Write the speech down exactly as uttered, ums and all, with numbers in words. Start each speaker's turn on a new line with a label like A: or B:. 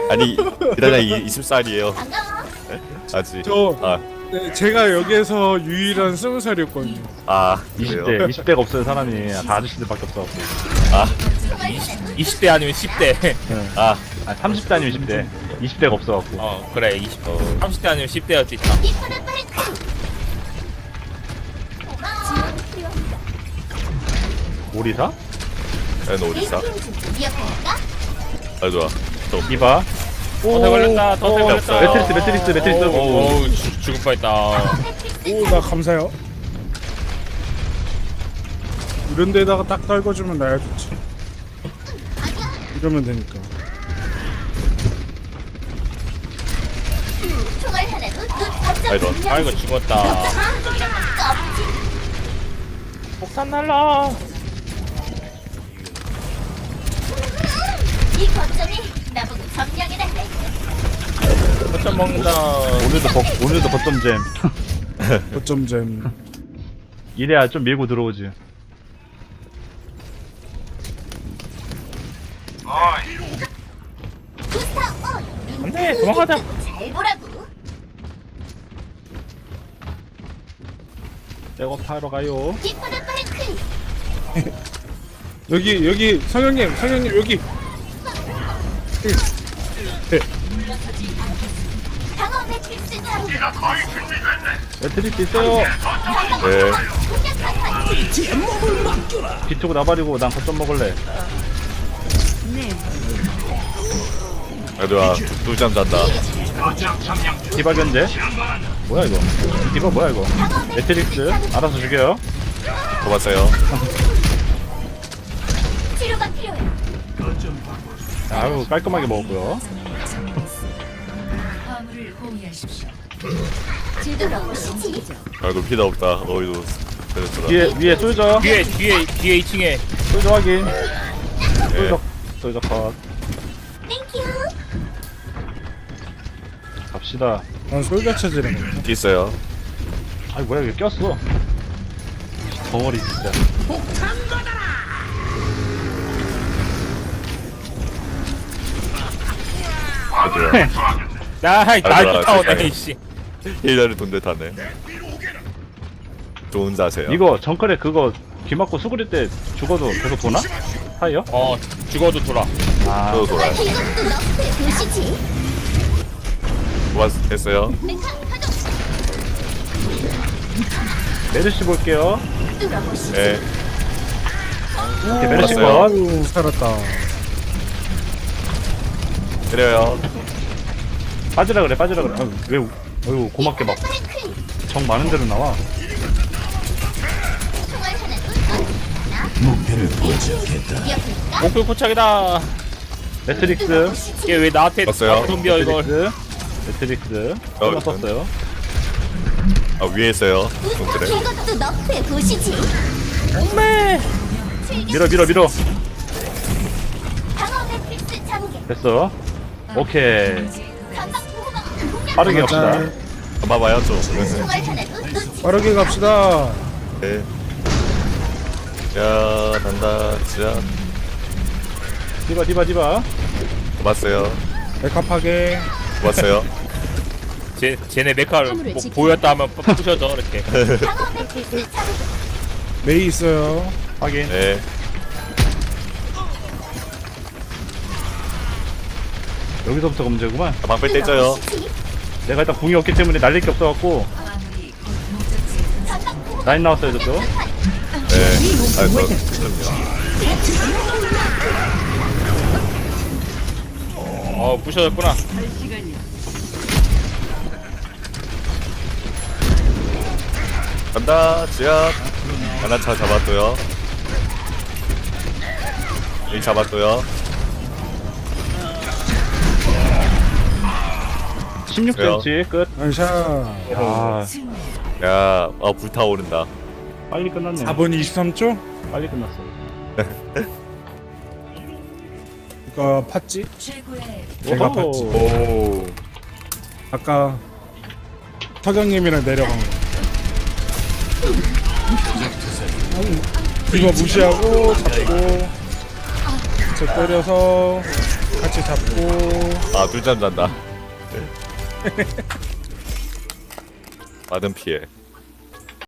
A: 아니 기다려 이십 살이에요. 아직.
B: 저
A: 아,
B: 네, 제가 여기에서 유일한 스무 살이었거든요.
A: 아
C: 이십
A: 그래요?
C: 대 이십 대가 없어요 사람이. 다 아저씨들밖에 없어.
A: 아,
D: 이십 대 아니면 십 대.
A: 아,
C: 아 삼십 대 아니면 이십 대. 이십 대가 없어갖고.
D: 어 그래 이십.
A: 어.
D: 삼십 대 아니면 십 대였지. 참.
C: 오리사?
A: 야, 너 어디 있어? 아 좋아. 또
C: 이봐.
D: 더 걸렸다. 더
A: 어,
D: 걸렸다.
C: 매트리스 매트리스 매트리스.
D: 오, 죽- 죽을 뻔했다.
B: 오, 나 감사해요. 이런 데다가 딱 떨궈주면 나야 좋지. 이러면 되니까.
A: 아이런.
D: 아이고 죽었다. 폭탄 날라.
E: 이 거점이 나보고 점령해달래.
D: 폭탄 먹는다.
C: 오늘도 버, 오늘도 버점잼.
B: 어점잼.
C: 이래야 좀 밀고 들어오지.
E: 부스터 온.
D: 안돼 도망가자.
E: 잘 보라고.
C: 백업하러 가요.
E: 디퍼는 브레이크.
B: 여기 여기 성형님 성형님 여기.
E: 방어 매트릭스 장.
C: 매트리스 있어요.
A: 네.
C: 뒤트고 나발이고 난 거점 먹을래.
A: 아 좋아. 두잠 잔다.
C: 디바 견제. 뭐야 이거? 디바 뭐야 이거? 매트릭스 알아서 죽여요.
A: 고봤어요.
E: 치료가 필요해.
C: 아유 깔끔하게 먹었고요.
E: 들어오시지.
A: 아이고 피다 없다. 어이도 그랬더라.
C: 위에 위에 쏠져.
D: 뒤에 뒤에 뒤에 이 층에.
C: 쏠져 확인.
A: 네.
C: 쏠져 쏠져 컷.
E: 땡큐.
C: 갑시다.
B: 난 솔가 체질이네.
A: 뒤 있어요.
C: 아이 뭐야 이게 꼈어. 덩어리 진짜.
A: 아 좋아.
D: 나날
A: 아이고,
D: 쫓아오네
A: 세상에.
D: 이씨.
A: 힐러를 돈데 타네. 좋은 자세요.
C: 이거 정글에 그거 귀 막고 수그릴 때 죽어도 계속 도나? 하이요?
D: 어 죽어도 돌아.
C: 아
A: 저도 돌아요.
E: 이것도 너프에 보시지.
A: 고봤했어요.
C: 메르시 볼게요.
E: 뚫어보시지.
A: 네.
C: 이렇게 메르시
A: 봤어요.
C: 컷.
B: 아유 살았다.
A: 때려요.
C: 빠지라 그래 빠지라 그래. 아유, 왜 어이구 고맙게 막 정 많은 대로 나와.
E: 총알 하나 목표를 포착했다.
D: 목표 포착이다.
C: 매트릭스
D: 이게 왜 나한테
A: 봤어요.
D: 좀비야 이걸.
C: 매트릭스 매트릭스
A: 어,
C: 하나 썼어요.
A: 아 위에 있어요. 동그래.
E: 이것도 너프에 보시지.
D: 엄매.
C: 밀어 밀어 밀어.
E: 방어 매트릭스 전개.
C: 됐어. 오케이.
E: 전방 보호막 공략.
C: 빠르게
B: 맞아.
C: 갑시다.
A: 봐봐요 좀.
E: 총알 하나도 놓치지.
B: 빠르게 갑시다.
A: 네. 야 난다. 진짜
C: 디바 디바 디바.
A: 고봤어요.
B: 백합하게.
A: 고봤어요.
D: 쟤 쟤네 메카를 뭐 보였다 하면 부셔져 이렇게.
E: 방어 매트릭스 전개.
B: 메이 있어요.
C: 확인.
A: 네.
C: 여기서부터 검제구만.
A: 아, 방패 떼져요.
C: 내가 일단 궁이 없기 때문에 날릴 게 없어갖고 라인 나왔어요 저쪽.
A: 네. 아, 저, 그럼요.
D: 어 부셔졌구나.
A: 간다, 지압. 하나 차 잡았고요. 이 잡았고요.
C: 십육 센티미터 끝.
B: 안샤.
C: 야
A: 야, 아, 불타오른다.
C: 빨리 끝났네.
B: 사 분 이십삼 초?
C: 빨리 끝났어.
B: 이거 팠지? 제가
C: 오호.
B: 팠지.
A: 오.
B: 아까 서경님이랑 내려간 거. 이거 무시하고 잡고 저 때려서 같이 잡고
A: 아 꿀잠 잔다. 받은 피해.